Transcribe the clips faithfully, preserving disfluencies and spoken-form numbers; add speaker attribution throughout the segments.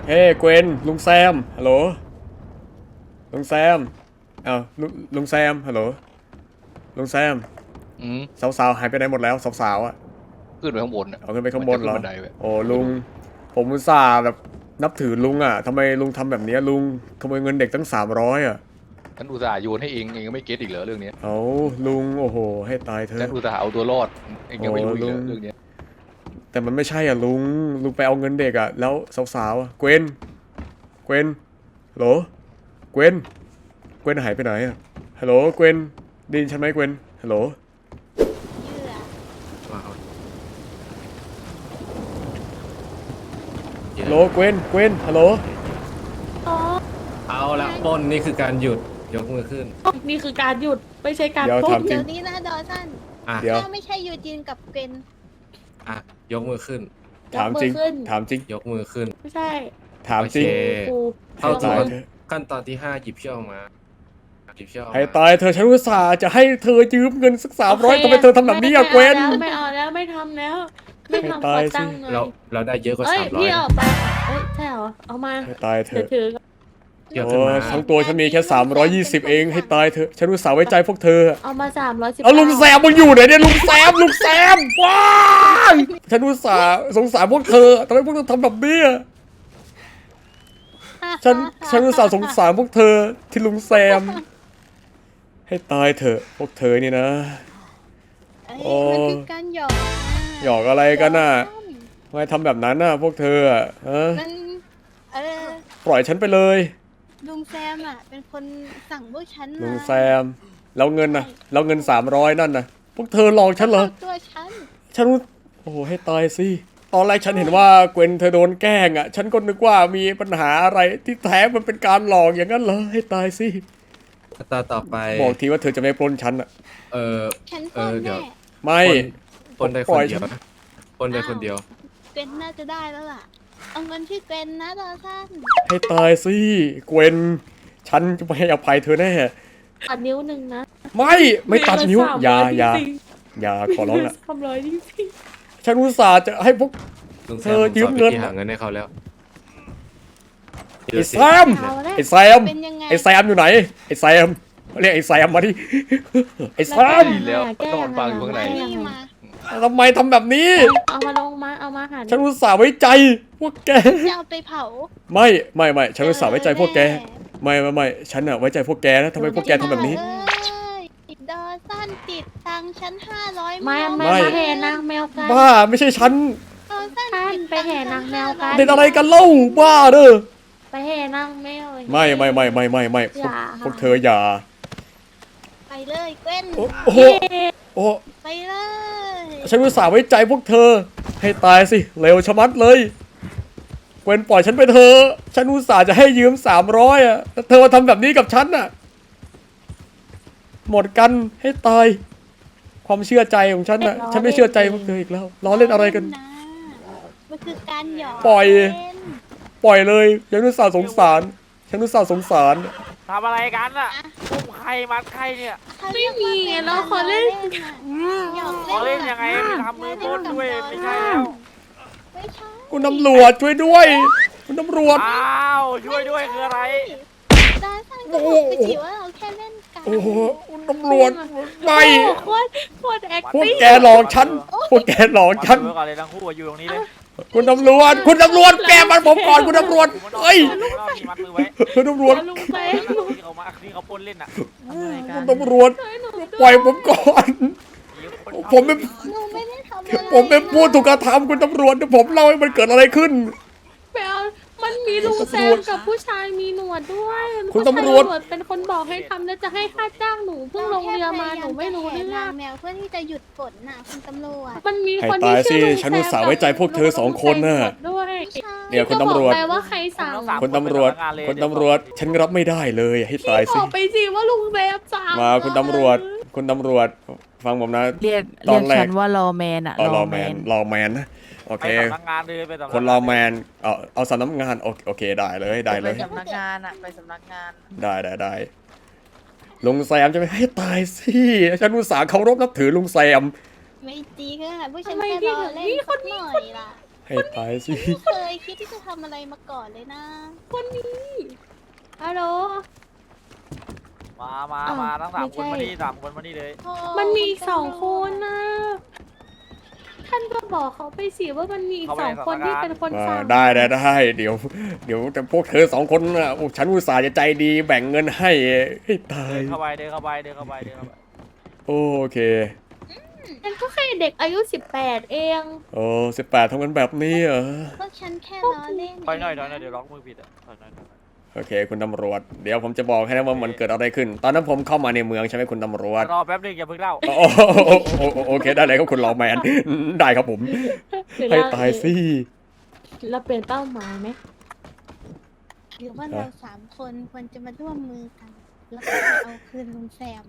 Speaker 1: เฮ้เกวนลุงแซมฮัลโหลลุงแซมอ้าวลุงลุงแซมฮัลโหลลุงแซม
Speaker 2: อืม
Speaker 1: สาวๆหายไปไหนหมดแล้วสาวๆอ่ะ
Speaker 2: ขึ้นไปข้างบน
Speaker 1: เอาขึ้นไปข้างบนเหรอโอ้ลุงผมอุตส่าห์แบบนับถือลุงอ่ะทำไมลุงทำแบบนี้ลุงขโมยเงินเด็กตั้งสามร้อยอ่ะ
Speaker 2: ฉันอุตส่าห์โยนให้เองเองก็ไม่เก็ตอีกเหรอเรื่องนี้
Speaker 1: เอาลุงโอ้โหให้ตายเถอะ
Speaker 2: ฉันอุตส่าห์เอาตัวรอดเองยังไม่รู้อีกเหรอเรื่องนี้
Speaker 1: แต่มันไม่ใช่อ่ะลุงลุงไปเอาเงินเด็กอ่ะแล้วสาวๆอ่ะเกวนเกวนฮัลโหลเกวนเกวนหายไปไหนอ่ะฮัลโหลเกวนได้ยินฉันไหมเกวนฮัลโหลฮัลโหลเกวนเกวนฮัลโหล
Speaker 3: เอาละปล้นนี่คือการหยุดยกมือขึ้น
Speaker 4: นี่คือการหยุดไม่ใช่การ
Speaker 1: เดี๋ยว
Speaker 4: พูด
Speaker 1: ถามจริ
Speaker 5: เดี๋
Speaker 1: ง
Speaker 5: ยวนี้นะดอสัน
Speaker 3: อ่ะ
Speaker 1: เดี๋ยว
Speaker 5: ถ้าไม่ใช่ยูจินกับเกรน
Speaker 3: อ่ะยกมือขึ้น
Speaker 1: ถามจริงถามจริง
Speaker 3: ยกมือขึ้น
Speaker 4: ไม่ใช่
Speaker 1: ถามจริง
Speaker 3: โอเค
Speaker 4: กู
Speaker 3: เข้า
Speaker 1: ให้
Speaker 3: สู่
Speaker 1: ตายเถอะ
Speaker 3: ขั้นตอนที่ห้าหยิบเชือกออกมาหยิบเชือกออก
Speaker 1: ให้
Speaker 3: มา
Speaker 1: ตายเธอฉันอุตส่าห์จะให้เธอยืมเงินสักสามร้อย
Speaker 4: โค
Speaker 1: ทำไมเธอทำแบบนี้อะเกวน
Speaker 4: ไม่เอาแล้วไม่ทำแล้วไม่
Speaker 1: ให้
Speaker 4: ทำ
Speaker 1: ตา
Speaker 4: ข
Speaker 1: ย
Speaker 4: อ
Speaker 1: สิ
Speaker 4: ตังค์หน่อย
Speaker 3: เราเราได้เยอะกว่า
Speaker 4: เอ้ย
Speaker 3: สามร้อย
Speaker 4: พี่ออกไปเอ้ยใช่เหรอเอามา
Speaker 1: ให้ตายเธ
Speaker 4: ถือ
Speaker 1: อะ
Speaker 4: ถือ
Speaker 3: เชือก
Speaker 1: โอ้
Speaker 3: ขึ้นมา
Speaker 1: ทั้งตัวฉันมีแค่สามร้อยยี่สิบเองให้ตายเธอะฉันอุตส่าห์ไว้ใจพวกเธอ
Speaker 4: เอามาสามร้อยสิบ
Speaker 1: เอาลุงแซมมึงอยู่ไหนเนี่ยลุงแซมลุงแซมว้ายฉันอุตส่าห์สงสารพวกเธอทำไมพวกเธอทำแบบนี้อะฉันฉันอุตส่าห์สงสารพวกเธอที่ลุงแซม ให้ตายเถอะพวกเธอนี่นะ
Speaker 5: เอ้ย
Speaker 1: โอ้
Speaker 5: มันคือการหยอกนะ
Speaker 1: หยอกอะไรกันน่ะทำไมทำแบบนั้นน่ะพวกเธออะฮะ
Speaker 5: มันเออ
Speaker 1: ปล่อยฉันไปเลย
Speaker 5: ลุงแซมอ่ะเป็นคนสั่งพวกฉัน
Speaker 1: ลุ
Speaker 5: มาง
Speaker 1: แซมแล้วเงินน่ะแล้วเงินสามร้อยนั่นน่ะพวกเธอหลอกฉันเหรอ
Speaker 5: ข้าตัวฉัน
Speaker 1: ฉันโอ้โหให้ตายสิตอนแรกฉันเห็นว่าเกวนเธอโดนแกล้งอ่ะฉันก็นึกว่ามีปัญหาอะไรที่แท้มันเป็นการหลอกอย่างนั้นเหรอให้ตายสิ
Speaker 3: ขั้นตอนต่อไป
Speaker 1: บอกทีว่าเธอจะไม่ปล้นฉันอ่ะ
Speaker 3: เออ
Speaker 5: ฉัน
Speaker 3: เอ
Speaker 5: ปล้
Speaker 3: อน เดี๋ยว
Speaker 5: แน่
Speaker 1: ไม่
Speaker 3: ปล้นได้ค
Speaker 1: ปล่
Speaker 3: น
Speaker 1: อย
Speaker 3: เดียว
Speaker 1: ฉัน
Speaker 3: นะปล้นได้คนเดียว
Speaker 5: เกรนน่าจะได้แล้วล่ะเอาเงินที่เกรนนะดอสัน
Speaker 1: ให้ตายสิเกวนฉันจะไม่ให้อภัยเธอแน่
Speaker 4: ตัดนิ้วหนึ่งนะ
Speaker 1: ไม่ไม่ตัดนิ้วอย่าอย่า
Speaker 4: จริง
Speaker 1: อย่าขอร้องละ
Speaker 4: ๆทำร้อยจริง
Speaker 1: ฉันอุตส่าห์จะให้พวก
Speaker 3: ลุงแซ
Speaker 1: เธอ
Speaker 3: ม
Speaker 1: ยื
Speaker 3: ยื
Speaker 1: ม
Speaker 3: ม
Speaker 1: เงิ
Speaker 3: เงิ
Speaker 1: น
Speaker 3: นหาเงินให้เขาแล้ว
Speaker 1: ไอ้แซม
Speaker 4: ๆเอาละ
Speaker 1: ไอ้แซม
Speaker 5: เป็นยังไง
Speaker 1: ไอ้แซมอยู่ไหนไอ้แซมเรียกไอ้แซมมาดิไอ้แซม
Speaker 2: ดีแล้วนอนฟังอยู่ข้างใน
Speaker 5: นี่มา
Speaker 1: ทำไมทำแบบนี้
Speaker 4: เอามาลงมาเอามาหา
Speaker 1: ฉันอุตส่าห์ไว้ใจพวกแก
Speaker 5: จะเอาไปเผา
Speaker 1: ไม่ไม่ไม่ฉันอุตส่าห์ไว้ใจพวกแกไม่ไม่ไม่ฉันอะไว้ใจพวกแกนะทำไมพวกแกทำแบบนี้
Speaker 5: เอ้ยดอสันติดตังค์ฉันห้าร้อย
Speaker 4: ไม่
Speaker 1: ไม่
Speaker 4: ไม่มาแห่นางแมวกัน
Speaker 1: บ้าไม่ใช่ฉัน
Speaker 5: ดอสัน
Speaker 4: ท่าน
Speaker 5: ติด
Speaker 4: ไป
Speaker 5: ตังค์
Speaker 4: แห่นางแมวกัน
Speaker 1: เด็ดอะไรกันเล่าบ้าเด้อ
Speaker 4: ไปแห่นางแมว
Speaker 1: ไม่ไม่ไม่ไม่ไม่ไม่พวก
Speaker 4: อย่า
Speaker 1: พวกเธออย่า
Speaker 5: ไปเลยเกวน
Speaker 1: โอ้โอ้โหโอ้
Speaker 5: ไปเลย
Speaker 1: ฉันอุตส่าห์ไว้ใจพวกเธอ ให้ตายสิเร็วชะมัดเลยเกวนปล่อยฉันไปเถอะฉันอุตส่าห์จะให้ยืมสามร้อยอะแต่เธอมาทำแบบนี้กับฉันอะหมดกันให้ตาย ความเชื่อใจของฉันอะฉันไม่เชื่อใจพวกเธออีกแล้วล้อเล่นอะไรกัน
Speaker 5: มันคือการหยอก
Speaker 1: ปล่อย
Speaker 5: เล่น
Speaker 1: ปล่อยเลยฉันอุตส่าห์สงสาร ฉันอุตส่าห์สงสาร
Speaker 6: ทำอะไรกันอ่ะอุ้มใครมัดใครเนี่ย
Speaker 5: เขาเรียกว่าป็น
Speaker 4: เราขอเล่น
Speaker 5: น่ะหยอก
Speaker 6: ขอเล่นยังไงไปทำมือปล้นด้วยไม่ใช่แล้ว
Speaker 5: ไม่ใช่
Speaker 1: คุณตำรวจช่วยด้วย คุณตำรวจ
Speaker 6: อ้าวช่วยด้วยคืออะไร
Speaker 5: ดาสันก็บอกไปสิว่าเราแค่เล่นกัน
Speaker 1: โอ้โหคุณตำรวจไม่
Speaker 4: โอ้โหโคตรโคตรแอค
Speaker 1: พวก
Speaker 4: ติ้ง
Speaker 1: แกหลอกฉัน พวกแกหลอก
Speaker 6: วัด
Speaker 1: ฉัน
Speaker 6: มือก่อนเลยทั้งคู่อะอยู่ตรงนี้เลย
Speaker 1: คุณตำรวจ คุณตำรวจแกมันผมก่อนคุณตำรวจเฮ้ย
Speaker 6: ที่มัดมือไว้
Speaker 1: คุณตำรวจ
Speaker 4: ลงไป
Speaker 6: ที่เขามาที่เขาปล้นเล่นอ่ะ
Speaker 1: คุณตำรวจปล่อยผมก่อน ผมเป็น
Speaker 5: หนูไม่ได้ทำอะไร
Speaker 1: ผมเป็นผู้ถูกกระทำคุณตำรวจเดี๋ยวผมเล่าให้มันเกิดอะไรขึ้น
Speaker 4: ไปเอามันมีลุงแซมกับผู้ชายมีหนวดด้วย
Speaker 1: คุณตำรวจ
Speaker 4: ผู้ชายมีหนดเป็นคนบอกให้ทำแล้วจะให้ค่าจ้างหนูเพิ่งลงเรือมาหนูไม่รู้เรื่อง
Speaker 5: นางแมวเพื่อที่จะหยุดฝนน่ะคุณตำรวจ
Speaker 4: มันมี
Speaker 1: ให้
Speaker 4: คน
Speaker 1: ตา
Speaker 4: ที่
Speaker 1: ยสิ
Speaker 4: ชื่อลุงแซม
Speaker 1: ฉันอุตส่าห์ไว้ใจพวกเธอสองคนน่ะ
Speaker 4: ด้วย
Speaker 1: เดี๋ยวคุณตำรวจ
Speaker 4: ก็บอกไปว่าใครสั่ง
Speaker 1: คุณตำรวจคุณตำรวจ ฉันรับไม่ได้เลยให้ตาย
Speaker 4: บ
Speaker 1: สิ
Speaker 4: อกไปสิว่าลุงแซมสั่ง
Speaker 1: มาคุณตำรวจ คุณตำรวจ ฟังผมนะ
Speaker 7: เรียก
Speaker 1: ตอ
Speaker 7: เรีย
Speaker 1: น
Speaker 7: ก
Speaker 1: แรก
Speaker 7: ฉันว่ารอแมนอะ
Speaker 1: เอารอแมนรอแมนนะโอ
Speaker 6: ไป
Speaker 1: เค
Speaker 6: สำนักงานเลยไปสำนักงาน
Speaker 1: คนรอแมนเอาเอาสำนักงานโอเคโอเคได้เลยได้เล
Speaker 7: ไป
Speaker 1: ย
Speaker 7: สำนักงานอะไปสำนักงาน
Speaker 1: ได้ได้ได้ลุงแซมจะไม่ให้ตายสิฉันอุตส่าห์เคารพนับถือลุงแซม
Speaker 5: ไม่จริงค่ะผู้ชายแค่รอเล่นสักหน่อยล่ะ
Speaker 1: ให้ตายสิ
Speaker 5: ไม่เคยคิดที่จะทำอะไรมาก่อนเลยนะ
Speaker 4: คนนี้ฮัลโหล
Speaker 6: มามา
Speaker 4: อ้าว
Speaker 6: มาทั้งสาม
Speaker 4: ไม่
Speaker 6: คน
Speaker 4: ใช่
Speaker 6: มานี่สามคนมานี่เลย
Speaker 5: โอ้
Speaker 4: มันมีอีกสองคนนะท่านก็บอกเขาไปสิว่ามันมีอีกสองคนที่เป็นคน
Speaker 1: อ่า
Speaker 4: สั่ง
Speaker 1: ได้ได้ได้เดี๋ยว เดี๋ยวแต่พวกเธอสองคนน่ะโอ้ฉันอุตส่าห์จะใจดีแบ่งเงินให้ให้ตาย
Speaker 6: เดินเข้าไปเดินเข้าไปเดินเข้าไปเดินเข้าไป
Speaker 1: โอเค
Speaker 4: ฉันก็แค่เด็กอายุสิบแปดเอง
Speaker 1: โอ้สิบแปดทำกันแบบนี้เหรอ
Speaker 5: พวกฉันแค่ล้อเล่น
Speaker 6: ถอยหน่อยถอยหน่อยเดี๋ยวล็อกมือผิดอ่ะถอยหน่อยถอยหน่อย
Speaker 1: โอเค คุณตำรวจเดี๋ยวผมจะบอกให้นะว่ามันเกิดอะไรขึ้น ตอนนั้นผมเข้ามาในเมืองใช่ไหมคุณตำรวจ
Speaker 6: รอแป๊บนึงอย่าเพิ่งเล่า
Speaker 1: โอ้โอ้โอ้โอเคได้เลยครับคุณรอแมนได้ครับผม ให้ตายสิ
Speaker 4: เราเปลี่ยนเป้าหมายไหม
Speaker 5: หรือว่าเราสามคนควรจะมาร่วมมือกัน แล้วก็ไปเอาคืนลุงแซม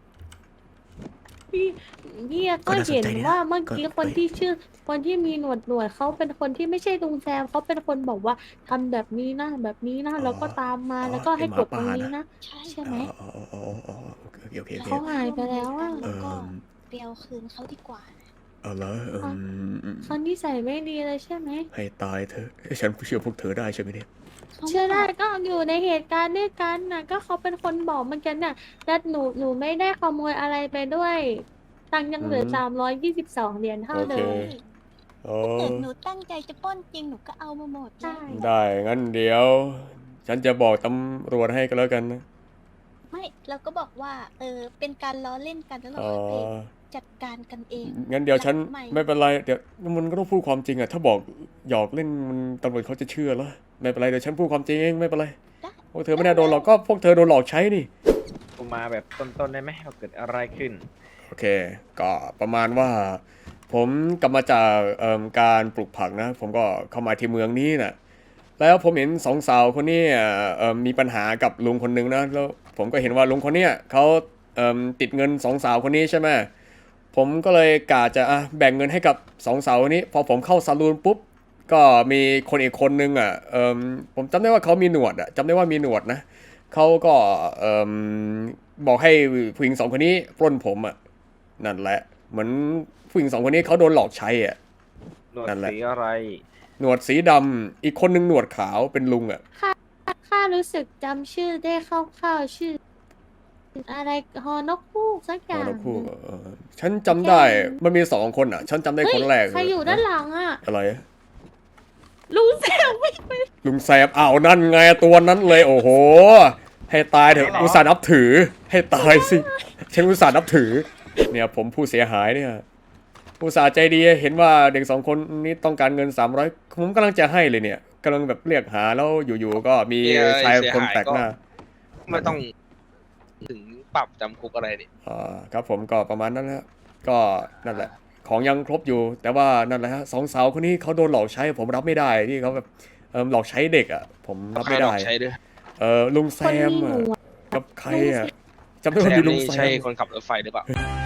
Speaker 4: พี่พี่ก็เห็นว่าเมื่อกี้คนที่ชื่อ คนที่มีหนวดหนวดเขาเป็นคนที่ไม่ใช่ลุงแซมเขาเป็นคนบอกว่าทำแบบนี้นะแบบนี้นะแล้วก็ตามมาแล้วก็ให้กดตรงนี้นะ
Speaker 5: ใช่
Speaker 4: ใช่ไหม
Speaker 1: อ๋ออ๋ออ๋อโอเคโอเคโอเค
Speaker 4: เขาหายไปแล้วอะ
Speaker 1: เอ
Speaker 5: แล้วก็
Speaker 1: อ
Speaker 5: ไปเอาคืนเขาดีกว่านะ
Speaker 1: เอาละเออ
Speaker 4: เขานิสัยไม่ดีเลยใช่ไหม
Speaker 1: ให้ตายเธอะฉันเชื่อพวกเธอได้ใช่ไหมเนี่ย
Speaker 5: ขา
Speaker 4: เชื่อได้ก็อยู่ในเหตุการณ์ด้วยกันน่ะ ก็เขาเป็นคนบอกเมื่อกี้น่ะและหนูหนูไม่ได้ขโมยอะไรไปด้วยตังค์ยังเหลือ
Speaker 1: อืม
Speaker 4: สามร้อยยี่สิบสองเหรียญเท่า
Speaker 1: โอ
Speaker 4: เดิ
Speaker 1: เค
Speaker 4: ม
Speaker 1: โอ้
Speaker 5: ถ้าเกิดหนูตั้งใจจะปล้นจริงหนูก็เอามาหมด
Speaker 4: ใช่
Speaker 1: ได้ งั้นเดี๋ยว ฉันจะบอกตำรวจให้ก็แล้วกันนะ
Speaker 5: ไม่เราก็บอกว่า เออเป็นการล้อเล่นกันแล้วเรา
Speaker 1: อ๋อ
Speaker 5: ค่อยไปจัดการกันเอง
Speaker 1: งั้นเดี๋ยวฉัน
Speaker 5: ไม่
Speaker 1: ไม่เป็นไร เดี๋ยวมันก็ต้องพูดความจริงอะถ้าบอกหยอกเล่นมันตำรวจเขาจะเชื่อเหรอไม่เป็นไรเดี๋ยวฉันพูดความจริงเองไม่เป็นไร
Speaker 5: ได้
Speaker 1: พวกเธอไม่น่าโดนหรอกก็พวกเธอโดนหลอกใช้นี่
Speaker 8: ผมมาแบบต้นๆได้ไหมว่าเกิดอะไรขึ้น
Speaker 1: โอเค ก็ประมาณว่า ผมกลับมาจากเอิ่มการปลูกผักนะ ผมก็เข้ามาที่เมืองนี้นะแล้วผมเห็นสองสาวคนนี้เอิ่มมีปัญหากับลุงคนหนึงนะแล้วผมก็เห็นว่าลุงคนเนี้ยเขาเอิ่มติดเงินสองสาวคนนี้ใช่ไหมผมก็เลยกะจะอ่ะแบ่งเงินให้กับสองสาวคนนี้ พอผมเข้าซาลูนปุ๊บก็มีคนอีกคนนึงอ่ะเอิ่มผมจำได้ว่าเขามีหนวดอ่ะจำได้ว่ามีหนวดนะเขาก็เอิ่มบอกให้ผู้หญิงสองคนนี้ปล้นผมอ่ะนั่นแหละ เหมือนผู้หญิงสองคนนี้เขาโดนหลอกใช้อ่ะ
Speaker 8: หนวด
Speaker 1: นั่นแหละ
Speaker 8: สีอะไร
Speaker 1: หนวดสีดำอีกคนนึงหนวดขาวเป็นลุงอ่ะ
Speaker 4: ข้ารู้สึกจำชื่อได้คร่าวๆชื่อ อะไรฮอนกคู่สักอ
Speaker 1: อ๋อย่าง นกคู่
Speaker 4: หนึ่ง
Speaker 1: เออฉันจำได้มันมีสองคนอ่ะ ฉันจำได้
Speaker 4: เฮ้ย
Speaker 1: คนแรก
Speaker 4: ใครอยู่ด้านหลังอ่ะ
Speaker 1: อะไร
Speaker 4: ลุงแซมไม่
Speaker 1: ลุงแซมอ้าวนั่นไงตัวนั้นเลยโอ้โห ให้ตายเถอะอุตส่าห์นับถือ ให้ตายสิ ฉันอุตส่าห์นับถือ เนี่ยผมผู้เสียหายเนี่ยอุตส่าห์ใจดีเห็นว่าเด็กสองคนนี้ต้องการเงินสามร้อยผมกำลังจะให้เลยเนี่ยกำลังแบบเรียกหาแล้วอยู่ๆก็มี
Speaker 9: เอ่อ
Speaker 1: ชาย
Speaker 9: เสีย
Speaker 1: คน
Speaker 9: หาย
Speaker 1: แปลกหน้า
Speaker 9: ไม่ต้องถึงปรับจำคุกอะไรนี่
Speaker 1: อ่าครับผมก็ประมาณนั้นแหละก็นั่นแหละ ของยังครบอยู่ แต่ว่านั่นแหละฮะสองสาวคนนี้เขาโดนหลอกใช้ ผมรับไม่ได้ที่เขาแบบเออหลอกใช้เด็กอ่ะ ผมรับไม่
Speaker 9: ใครหล
Speaker 1: ได้
Speaker 9: อกใช้ด้วย
Speaker 1: เออลุงแซ
Speaker 4: คน
Speaker 1: ม
Speaker 4: มีหน
Speaker 1: อะ
Speaker 4: วด
Speaker 1: กับใครอ่ะจำได้
Speaker 9: แซ
Speaker 1: ว่ามี
Speaker 9: ม
Speaker 1: ลุง
Speaker 9: นี่
Speaker 1: แซ
Speaker 9: ใช่
Speaker 1: ม
Speaker 9: คนขับรถไฟหรือเปล่า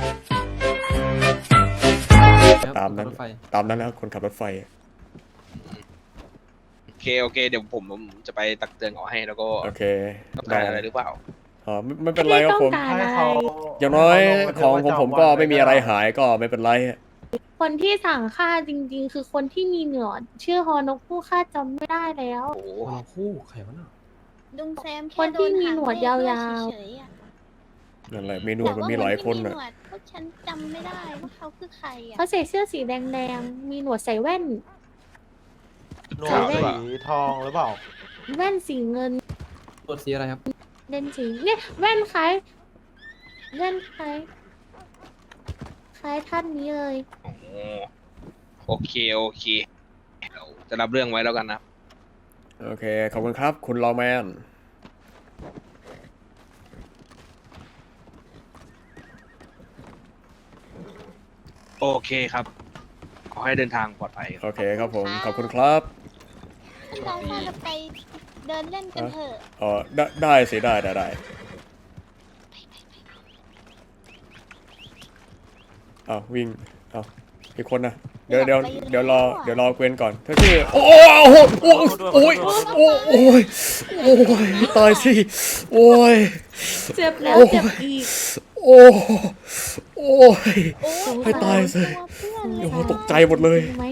Speaker 1: ตามนั้น
Speaker 3: รถไฟ
Speaker 1: ตามนั้นแล้วคนขับรถไฟ
Speaker 9: โอเคโอเค เดี๋ยวผมผมจะไปตักเตือนเขาให้แล้วก็
Speaker 1: โอเค
Speaker 9: ต้อง
Speaker 1: ได้
Speaker 9: การอะไรหรือเปล่า
Speaker 1: อ๋อไม่ไม่เป็นไร
Speaker 4: ไม่
Speaker 1: ครับ
Speaker 4: ต้อ
Speaker 1: ผ
Speaker 4: ง
Speaker 1: ม
Speaker 4: การอะไร
Speaker 1: อย่างน้อยของของผมก็ไม่มีอะไรหายก็ไม่เป็นไร
Speaker 4: คนที่สั่งฆ่าจริง ๆ คือคนที่มีหนวดชื่อฮอนกคู่ฆ่าจำไม่ได้แล้ว
Speaker 9: โอ้โห
Speaker 3: คนละคู่ใครวะน่ะ
Speaker 5: ลุงแซม
Speaker 4: คนที่มีหนวดยาวๆ
Speaker 5: เฉยๆอะ
Speaker 1: นั่นแหละมีหนวดมันมีหลายคน
Speaker 5: แต่
Speaker 1: อ่ะ
Speaker 5: ว่าพวกฉันจำไม่ได้ว่าเขาคือใครอ่ะ
Speaker 4: เขาใส่เสื้อสีแดงๆ มีหนวดใส่แว่น
Speaker 6: หนวดสีทองหรือเปล่า
Speaker 4: แว่นสีเงิน
Speaker 3: ตัวสีอะไรครับ
Speaker 4: เลนส์สีเนี่ยแว่นคล้ายแว่นคล้ายคล้ายท่านนี้เลย
Speaker 9: โอ้โหโอเคโอเคเราจะรับเรื่องไว้แล้วกันนะ
Speaker 1: โอเคขอบคุณครับ คุณลอแมน
Speaker 9: โอเคครับ ขอให้เดินทางปลอดภัยครับ
Speaker 1: โอเคครับผมขอบคุณครับ
Speaker 5: เราถ้าเราไปเดินเล่นกันเถอะ
Speaker 1: อ๋อได้ได้สิได้ได้ได้อ้าววิ่งอ้าวอีกคนนะเดี๋ยวเดี๋ยวเดี๋ยวรอเดี๋ยวรอเกวนก่อนเธอชื่อโอ้โอ้โอ้โอ้ยโอ้ยโอ้ยโอ้ยตายสิโอ้ย
Speaker 4: เจ็บแล้ว
Speaker 1: โอ้ย
Speaker 4: เจ็บอีก
Speaker 1: โอ้โอ้ย
Speaker 5: โอ้
Speaker 1: ให้ตายสิ
Speaker 5: ตัวเพื่อนเล
Speaker 1: โอ้
Speaker 5: ย
Speaker 1: โห
Speaker 5: อะ
Speaker 1: ตกใจหมดเลย
Speaker 4: จริงไหม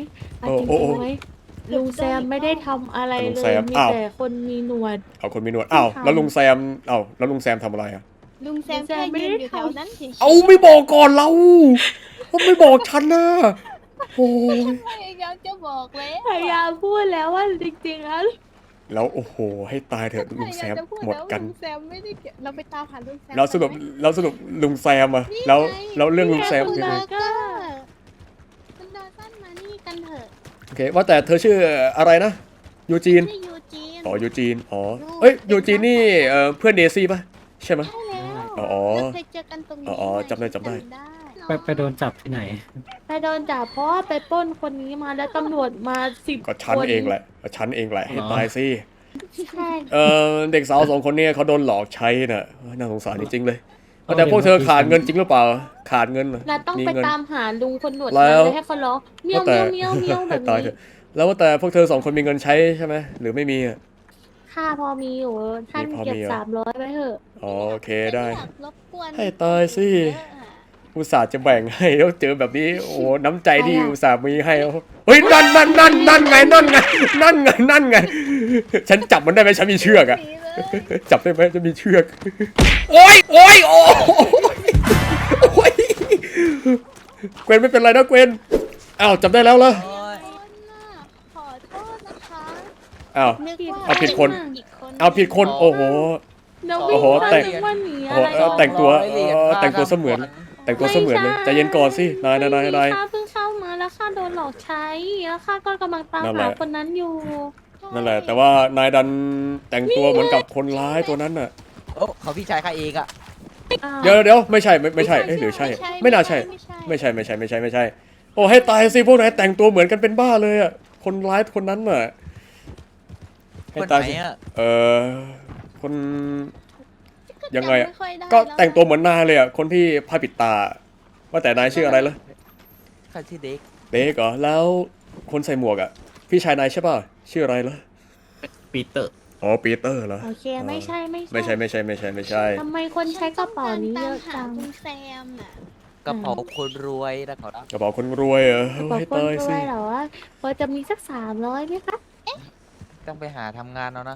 Speaker 4: อ่ะ
Speaker 1: โอ้
Speaker 4: จริง
Speaker 1: โอ้โอ้
Speaker 4: ๆไหมลุงแซมไม่ได้ทำอะไร
Speaker 1: ลุง
Speaker 4: เล
Speaker 1: แซ
Speaker 4: ย
Speaker 1: ม
Speaker 4: มี
Speaker 1: อ้าว
Speaker 4: แต่คนมีหนวด
Speaker 1: เอาคนมีหนวดอ้าว
Speaker 4: ไม่ทำ
Speaker 1: แล้วลุงแซมเอ้าแล้วลุงแซมทำอะไรอ่ะ
Speaker 5: ลุงแซม
Speaker 4: ลุงแซ
Speaker 5: แค่
Speaker 4: มไม่
Speaker 5: ยื
Speaker 4: ได้
Speaker 5: นอยู่แถว
Speaker 4: ทำ
Speaker 5: นั้นเฉยๆ
Speaker 1: เอาไม่บอกก่อนเราเขาไม่บอกฉันนะโอ้ย
Speaker 5: พยายามจะบอกแล้ว
Speaker 4: พยายามพูดแล้วว่าจริงๆแล้ว
Speaker 1: แล้วโอ้โหให้ตายเถอะลุงแซม
Speaker 5: พยายาจะพู
Speaker 1: หมด
Speaker 5: แล้ว
Speaker 1: กัน
Speaker 5: ลุงแซมไม่ได้เกี่ยวเราไปตามหาลุงแซม
Speaker 1: แล้วสรุป
Speaker 5: กันไหม
Speaker 1: แล้วสรุปลุงแซมอะแล้วแล้วเรื่องลุงแซม
Speaker 5: คุณ
Speaker 1: คือ
Speaker 5: เบ
Speaker 1: ไง
Speaker 5: อร์เกอร์คุณดอสันมานี่กันเถอะ
Speaker 1: โอเคว่าแต่เธอชื่ออะไรนะยูจีน
Speaker 5: ชื่อยูจีน
Speaker 1: อ๋อยูจีนอ๋อเอ้ยยูจีนนี่เอ่อเพื่อนเดซี่ปะใช่ไหม
Speaker 5: ใช่แล้ว
Speaker 1: อ๋อ
Speaker 5: เราเคยเจอกันตรงนี้
Speaker 1: อ๋อจำได้จำได้
Speaker 3: ไปไปโดนจับที่ไหน
Speaker 4: ไปโดนจับเพราะว่าไปปล้นคนนี้มาแล้วตำรวจมาสิบ
Speaker 1: ก็ฉัน
Speaker 4: คน
Speaker 1: เองแหละก็ฉันเองแหละให้
Speaker 3: อ๋อ
Speaker 1: ตายสิ
Speaker 4: ใช่
Speaker 1: เออเด็กสาวสองคนเนี้เขาโดนหลอกใช้น่ะน่าสงสารจริงๆเลยว่าแต่พวกเธอขาดเงินจริงหรือเปล่าขาดเงินเหรอ
Speaker 4: เราต้อง
Speaker 1: มี
Speaker 4: ไป
Speaker 1: เงิน
Speaker 4: ตามหาลุงคนหนวด
Speaker 1: แล้
Speaker 4: นั้น
Speaker 1: ว
Speaker 4: เลยให้เขาร้องเมียว
Speaker 1: ว่าแต่
Speaker 4: เมียวเมียวเมียวแบ
Speaker 1: ให้
Speaker 4: บ
Speaker 1: ตาย
Speaker 4: นี้
Speaker 1: เถอะแล้วว่าแต่พวกเธอสองคนมีเงินใช้ใช่ไหมหรือไม่มีอะ
Speaker 4: ค่าพอมีอยู่ท่าน
Speaker 1: มีพอ
Speaker 4: เก็บ
Speaker 1: มีเหรอ
Speaker 4: สามร้อยไว้เถอะ
Speaker 1: อ๋อโอเคได้
Speaker 5: ม่อยากรบกวน
Speaker 1: ให้ตายสิ
Speaker 5: เยอะอะ
Speaker 1: อุตส่าห์จะแบ่งให้แล้วเจอแบบนี้โอ้โหน้ำใจที่อุตส่าห์มีให้แล้วเฮ้ยนั่นนั่นนั่นนั่นไงนั่นไงนั่นไงนั่นไงฉันจับมันได้ไหมฉันมีเชือกอะ
Speaker 5: หนีเลย
Speaker 1: จับได้ไหมจะมีเชือกโอ้ยโอ้ยโอ้ยโอ้ยเกวนไม่เป็นไรนะเกวนอ้าวจับได้แล้วเหรอ
Speaker 5: ขอโทษนะขอโทษนะคะ
Speaker 1: อ้าว
Speaker 5: นึกว่า
Speaker 1: เอาผิดคน
Speaker 5: อีกคน
Speaker 1: เอาผิดคนโอ้โห
Speaker 4: เดี๋ยว
Speaker 1: โอ้
Speaker 4: วิ่ง
Speaker 1: โห
Speaker 4: มา
Speaker 1: แต่ง
Speaker 4: นึกว่าหนี
Speaker 1: โอ้
Speaker 4: อะ
Speaker 1: โห
Speaker 4: ไร
Speaker 1: เออแต่งตัวเออแต่งตัวเสมือน แต่งตัวเสมือนเลยใจเย็นก่อนสินายนายนายนาย
Speaker 4: ข้าเพิ่งเข้ามาแล้วข้าโดนหลอกใช้แล้วข้าก็กำลังตาม
Speaker 1: นั่นแห
Speaker 4: หา
Speaker 1: ละ
Speaker 4: คนนั้นอยู่
Speaker 1: นั่นแหละ แต่ว่านายดันแต่งตัวเหมือนกับคนร้ายตัวนั้นน่ะ
Speaker 10: โอ้เขาพี่ชายข้าเองอะ
Speaker 4: อ้าว
Speaker 1: เดี๋ยวเดี๋ยวไม่ใช่ไม่ไม่ใช่เอ๊ะหรือใช่ ไม่น่าใช่ ไม่ใช่ไม่ใช่ไม่ใช่ไม่ใช่ โอ้ให้ตายสิพวกนายแต่งตัวเหมือนกันเป็นบ้าเลยอ่ะคนร้ายคนนั้นน่ะให้
Speaker 10: คน
Speaker 1: ตาย
Speaker 10: ไหน
Speaker 1: สิ
Speaker 10: อะ
Speaker 1: เออคน ยังไงอะ
Speaker 5: จำม่ค่อยได้
Speaker 1: ก็
Speaker 5: ล้ว
Speaker 1: แต่งตัวเหมือนนายเลยอ่ะคนที่ผ้าปิดตา ว่าแต่นายชื่ออะไรล่ะ
Speaker 10: ข้าชื่อเด็ก
Speaker 1: เด็กเหรอแล้วคนใส่หมวกอ่ะพี่ชายนายใช่ป่ะชื่ออะไรล่ะ
Speaker 3: ปีเตอร์
Speaker 1: อ๋อปีเตอร์เหรอ
Speaker 4: โอเคไม่ใช่ไม่
Speaker 1: ไม่ใช่ไม่ใช่ไม่ใช่ไม่ใช่
Speaker 4: ทำไมคนใช้กระเป๋านี้เยอะ
Speaker 5: ฉั
Speaker 4: จั
Speaker 5: น
Speaker 4: ง
Speaker 5: ต้องการตามหาคุณแซมน่ะ
Speaker 10: กระเป๋าคนรวยนะขอรับ
Speaker 1: กระเป๋าคนรวยเหรอก
Speaker 4: ระเป๋า
Speaker 1: ให้
Speaker 4: คน
Speaker 1: ตาย
Speaker 4: ร
Speaker 1: สิ
Speaker 4: วยเหรอวะพอจะมีสักสามร้อยไหมคะ
Speaker 10: ต้องไปหาทำงานเอานะ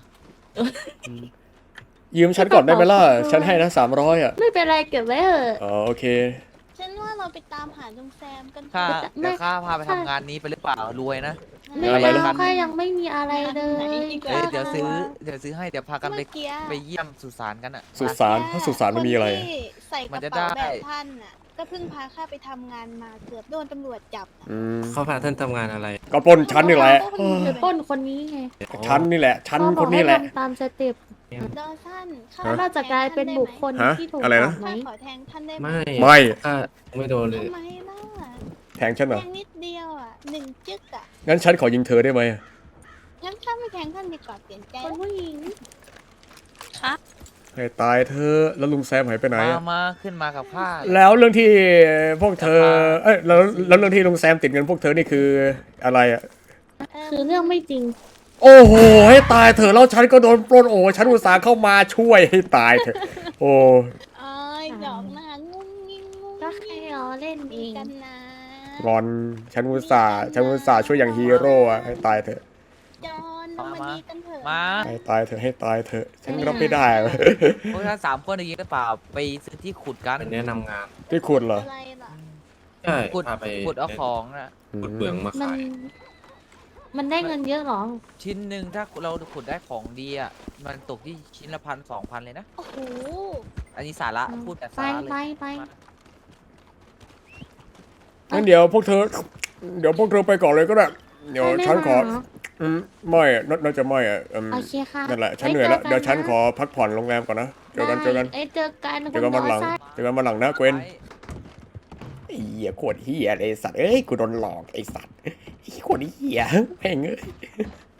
Speaker 1: ยืมฉันก่อนได้ไหมล่ะฉันให้นะสามร้อยอ่ะ
Speaker 4: ไม่เป็นไรเก็บไว้เถอะ
Speaker 1: อ๋อโอเค
Speaker 5: ฉันว่าเราไปตามหาลุงแซมกันเถ
Speaker 10: ข้า
Speaker 5: อะ
Speaker 10: เดี๋ยวข้าพาไปทำงานนี้ไปหรือเปล่ารวยนะ
Speaker 4: ไม่
Speaker 1: อะไร
Speaker 4: เอา
Speaker 1: นะ
Speaker 4: ค่ะยังไม่มีอะไรเลย
Speaker 10: เอ้ยเดี๋ยวซื้อเดี๋ยวซื้อให้เดี๋ยวพากันไป
Speaker 5: เมื่อกี้
Speaker 10: ไปเยี่ยมสุสานกันอะ
Speaker 1: สุสานเพราะสุสานมันมีอะไร
Speaker 5: คนที่ใส่ก
Speaker 10: มัน
Speaker 5: ระ
Speaker 10: จะ
Speaker 5: เป๋า
Speaker 10: ได้
Speaker 5: แบบท่านน่ะ ก็เพิ่งพาข้าไปทำงานมาเกือบโดนตำรวจจับน่ะ
Speaker 1: อืม
Speaker 3: เขาพาท่านทำงานอะไร
Speaker 1: ก็ปล้นฉันนี่แหละ
Speaker 5: ก็
Speaker 1: เออ
Speaker 4: ไปปล้นคนนี้ไง
Speaker 1: ฉันนี่แหละฉัน
Speaker 4: เขาบ
Speaker 1: ค
Speaker 4: อก
Speaker 1: น
Speaker 4: ให้
Speaker 1: นี้แหละ
Speaker 4: ทำตามสเต็ป
Speaker 5: ดอสันข้า
Speaker 1: ฮะ
Speaker 4: เราจะกลายเป็นบุคคล
Speaker 1: ฮะ
Speaker 4: ที่ถูก
Speaker 1: อะไร
Speaker 4: จั
Speaker 1: นะ
Speaker 4: บไหม
Speaker 5: ข้าขอแทงท่านได้ไหม
Speaker 3: ไม่
Speaker 1: ไม่
Speaker 3: ข้าไม่โดนเลย
Speaker 5: ทำไมล่ะ
Speaker 1: แทงฉันเหร
Speaker 5: แท
Speaker 1: อง
Speaker 5: นิดเดียวอ่ะหนึ่งจึ๊กอ่ะ
Speaker 1: งั้นฉันขอยิงเธอได้ไหม
Speaker 5: งั้นข้าไม่แทงท่านดีกว่าเปลี่ยนใจ
Speaker 4: คนผู้หญิง
Speaker 1: ให้ตายเธอแล้วลุงแซมหายไปไหน
Speaker 10: มา
Speaker 1: อะ
Speaker 10: มาขึ้นมากับข้า
Speaker 1: แล้วเรื่องที่พวกเธอเอ้ยแล้วแล้วเรื่องที่ลุงแซมติดเงินพวกเธอนี่คืออะไรอ่ะ
Speaker 4: คือเรื่องไม่จริง
Speaker 1: โอ้โหให้ตายเถอะแล้วฉันก็โดนปล้นโอ้ฉันอุตส่าห์เข้ามาช่วยให้ตายเถอะโอ้
Speaker 5: เอ้ยดอกหน้างุ้งงิ้งงุ้ง
Speaker 4: ก็แค่ล้อเล่นเอ
Speaker 5: มี
Speaker 4: ง
Speaker 5: กันนะ
Speaker 1: งอนฉันอุตส่าห์ฉันอุตส่าห์ช่วยอย่างฮีโร่อะให้ตายเถอะ
Speaker 5: จอนเรามาดีกันเถอะ
Speaker 10: มา
Speaker 1: ให้ตายเถอะให้ตายเถอะฉันรับไม่ได้อะ
Speaker 10: พวกท่านสามคนอย่างนี้หรือเปล่าไปซื้อที่ขุดกัน
Speaker 3: เป็นแนะนำงาน
Speaker 1: ที่คุณเหรอ
Speaker 5: อะไรล่ะ
Speaker 3: ใช่
Speaker 10: ขุด
Speaker 3: พาไป
Speaker 10: ขุดเอาของนะ
Speaker 3: ขุดเปลืองมา
Speaker 4: มัน
Speaker 3: ขาย
Speaker 4: มันได้เงินเยอะเหรอ
Speaker 10: ชิ้นหนึ่งถ้าเราขุดได้ของดีอ่ะมันตกที่ชิ้นละพันสองพันเลยนะ
Speaker 5: โอ้โห
Speaker 10: อันนี้สาระพูดแต่
Speaker 4: ไป
Speaker 10: สาระเลย
Speaker 4: ไปไป
Speaker 1: งั้นเดี๋ยวพวกเธอ เดี๋ยวพวกเธอไปก่อนเลยก็ได้ เดี๋ยว
Speaker 4: ไม่
Speaker 1: ฉันขอ
Speaker 4: มาเหรอ
Speaker 1: อืมไม่อะน่าน่าจะไม่อะอืม
Speaker 4: โอเคค่ะ
Speaker 1: นั่นแหละ ฉัน
Speaker 4: ไ
Speaker 1: เหนื่อยแล้ว
Speaker 4: จกั
Speaker 1: เดี๋ยวฉัน
Speaker 4: นะ
Speaker 1: ขอพักผ่อนโรงแรมก่อนนะ เจอกัน เจอกัน
Speaker 4: ได้เอ้ยเจอกัน
Speaker 1: เจอกันวันหลัง
Speaker 4: คุณดอสั
Speaker 1: เจอกันวันหลังนะเกวน
Speaker 10: ไว้
Speaker 1: ไอ้เหี้ยโคตรเหี้ยเลยไอ้สัตว์ เอ้ย กูโดนหลอกไอ้สัตว์ไอ้โคตรเหี้ยแม่งเอ้ย